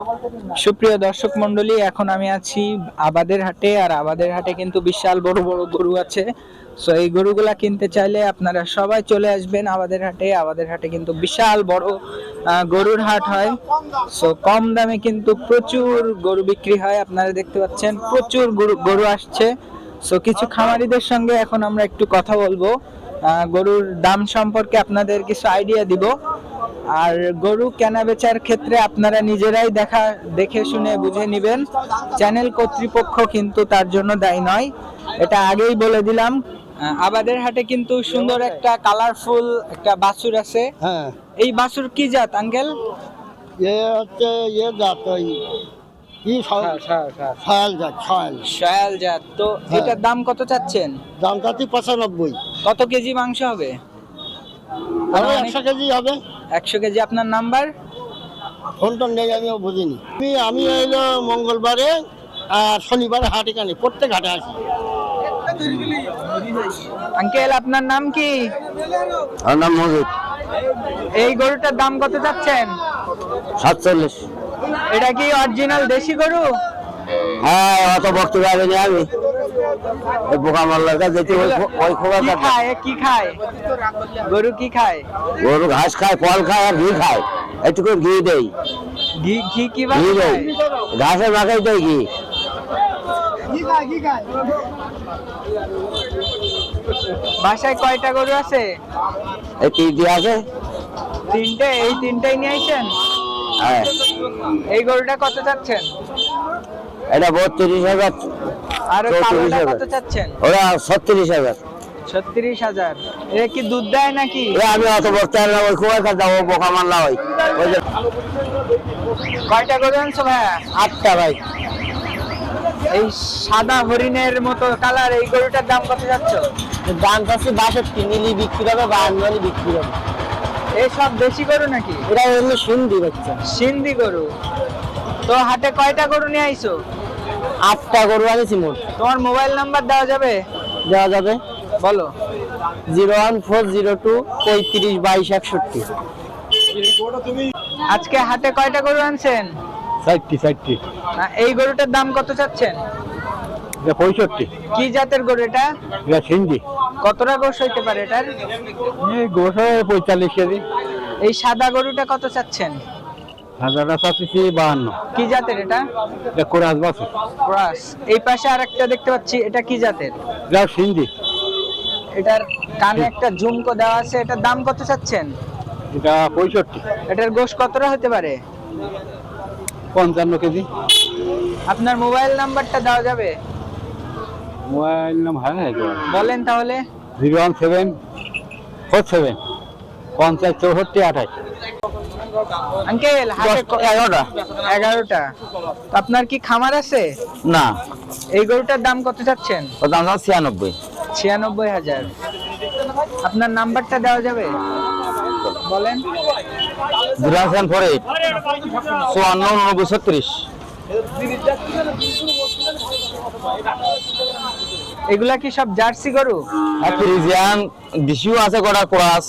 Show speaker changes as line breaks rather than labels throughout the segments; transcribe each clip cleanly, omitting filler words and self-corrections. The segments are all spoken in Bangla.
সুপ্রিয় দর্শক মন্ডলী, এখন আমি আছি আবাদের হাটে। আর আবাদের হাটে কিন্তু বিশাল বড় বড় গরু আছে। সো এই গরুগুলা কিনতে চাইলে আপনারা সবাই চলে আসবেন আবাদের হাটে। আবাদের হাটে কিন্তু বিশাল বড় গরুর হাট হয়। সো কম দামে কিন্তু প্রচুর গরু বিক্রি হয়। আপনারা দেখতে পাচ্ছেন প্রচুর গরু আসছে। সো কিছু খামারিদের সঙ্গে এখন আমরা একটু কথা বলবো, গরুর দাম সম্পর্কে আপনাদের কিছু আইডিয়া দিব। আর গরু কেনা বেচার ক্ষেত্রে আপনারা নিজেরাই দেখে শুনে বুঝে নেবেন। চ্যানেল কর্তৃপক্ষ কিন্তু তার জন্য দায়ী নয়, এটা আগেই বলে দিলাম। আবাদের হাটে কিন্তু সুন্দর একটা কালারফুল একটা বাছুর আছে।
হ্যাঁ,
এই বাছুর কি জাত আঙ্কেল?
এ হচ্ছে জাত ওই কি সয়াল জাত,
সয়াল জাত। তো এটার দাম কত চাচ্ছেন?
দাম চাচ্ছি 95।
কত কেজি মাংস হবে?
100 কেজি হবে।
100 কেজি। আপনার নাম্বার?
ফোনটা নেই, আমিও বুঝিনি। আমি এলো মঙ্গলবারে আর শনিবারে হাটে কানি, প্রত্যেক হাটে আসি।
আঙ্কেল আপনার নাম কি?
আমার নাম মজিদ।
এই গরুটার দাম কত চাচ্ছেন?
47।
এটা কি অরিজিনাল দেশি গরু?
হ্যাঁ, অত বক্তব্য আগে আমি বোকা মাল্লার কাছে ওই খোলা
কি খায় গরু? কি খায়?
গরু ঘাস খায়, ফল খায় আর ঘি খায়। একটু করে ঘি দেই।
ঘি কি
দেই, ঘাসের মাখাই দেয় ঘি।
বাসায় কয়টা গরু আছে?
এই তিনটি আছে।
তিনটে? এই তিনটাই নিয়ে আইছেন?
হ্যাঁ।
এই গরুটা কত চাচ্ছেন?
এটা 32,000।
আর কালোটা কত চাচ্ছেন?
ওরা 36,000।
36,000। এ কি দুধ দেয় নাকি?
আমি অত বলতে পারি না, ওই খুব একটা যাবো বোকা মারলা ওই।
কয়টা গরু আনছো ভাইয়া?
8টা ভাই।
এই সাদা হরিণের মতো কালার এই গরুটার দাম কত যাচ্ছে?
দাম চাচ্ছি 62। নিলি বিক্রি হবে, 52 বিক্রি হবে।
এই সব দেশি গরু নাকি?
এটা এমনি সিন্ধি বাচ্চা।
সিন্ধি গরু। তো হাটে কয়টা গরু নিয়ে আইছো?
8টা গরু আনিছি মোট।
তোমার মোবাইল নাম্বার দেওয়া যাবে?
দেওয়া যাবে।
বলো।
01402 35 22 61।
আজকে হাটে কয়টা গরু আনছেন?
60।
এই গরুটার দাম কত চাচ্ছেন?
65।
কি জাতের গরু এটা?
এটা সিন্ধি।
কতটা গোশ হইতে পারে এটার?
এই গোশ 45 কেজি।
এই সাদা গরুটা কত চাচ্ছেন?
হাজারটা চাচ্ছি 52।
কি জাতের এটা?
এটা কোরাস বাছুর।
ক্রস। এই পাশে আরেকটা দেখতে পাচ্ছি, এটা কি জাতের?
এটা সিন্ধি।
এটার কানে একটা ঝুমকো দেওয়া আছে, এটার দাম কত চাচ্ছেন?
এটা 65।
এটার গোশ কতটা হতে পারে?
55 কেজি।
আপনার মোবাইল নাম্বারটা দেওয়া যাবে?
মোবাইল নাম্বার
বলেন তাহলে।
01747 50 64 28।
আঙ্কেল হাটে 11টা। আপনার কি খামার আছে?
না।
এই গরুটার দাম কত চাচ্ছেন?
ওর দাম 96।
96,000। আপনার নাম্বারটা দেওয়া যাবে? বলেন।
048 54 36।
এগুলা কি সব জার্সি গরু?
ফ্রিজিয়ান দেশিও আছে, কটা ক্রস।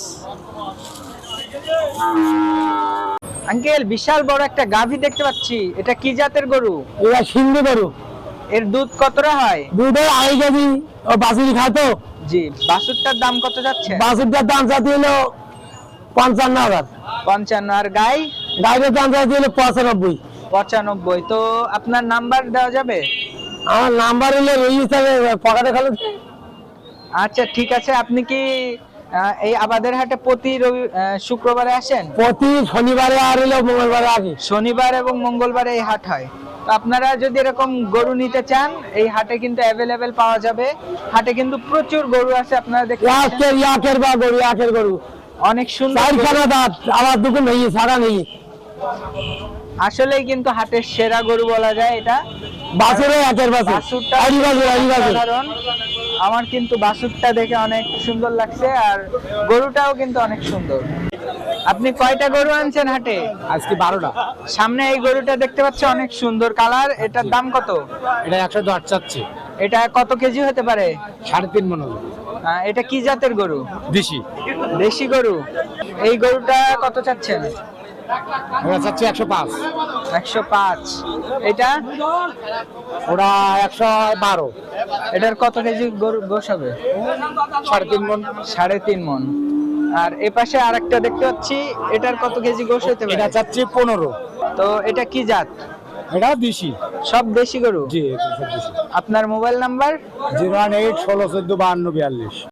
আঙ্কেল বিশাল বড় একটা গাভী দেখতে পাচ্ছি, এটা কি জাতের গরু?
এটা সিন্ধি গরু।
এর দুধ কতটা হয়?
দুধের 2.5 কেজি। ও বাছুরি খায় তো।
জি। বাছুরটার দাম কত যাচ্ছে?
বাছুরটার দাম চাচ্ছি হলো 55,000।
55। আর গাই?
গাইয়ের দাম চাচ্ছি হলো 95।
95। তো আপনার নাম্বার দেওয়া যাবে?
আমার নাম্বার হলো এই হিসাবে পকেটে খালো।
আচ্ছা ঠিক আছে। আপনি কি এই আবাদের হাটে প্রতি শুক্রবারে আসেন?
প্রতি শনিবারে আর হলো মঙ্গলবারে আসি।
শনিবার এবং মঙ্গলবারে এই হাট হয়। তো আপনারা যদি এরকম গরু নিতে চান, এই হাটে কিন্তু অ্যাভেলেবেল পাওয়া যাবে। হাটে কিন্তু প্রচুর গরু আছে, আপনারা দেখতে পাচ্ছেন।
ইয়াকের গরু
অনেক সুন্দর।
আমার দুটো নেই, সারা নেই।
আসলেই কিন্তু হাটের সেরা গরু বলা যায় এটা।
বাছুরে একের বাছুর।
সাধারণ। আমার কিন্তু বাছুরটা দেখে অনেক সুন্দর লাগছে, আর গরুটাও কিন্তু অনেক সুন্দর। আপনি কয়টা গরু আনছেন হাটে?
আজকে 12টা।
সামনে এই গরুটা দেখতে পাচ্ছি, অনেক সুন্দর কালার। এটার দাম কত?
এটা 110 চাচ্ছি।
এটা কত কেজি হতে পারে?
3.5 মণ হবে।
এটা কি জাতের গরু?
দেশি।
দেশি গরু। এই গরুটা কত চাচ্ছেন?
ওরা চাচ্ছে 105,
105। এটা
ওরা 112,
এটার কত কেজি গরু গোশ হবে?
3.5 মন।
3.5 মন। আর এ পাশে আরেকটা দেখতে পাচ্ছি, এটার কত কেজি গোশ হতে
এটা
পারে?
চাচ্ছি 15।
তো এটা কি জাত?
এটা দেশি।
সব দেশি গরু?
জি, এটা সব দেশি।
আপনার মোবাইল নাম্বার?
018 16 14 52 42।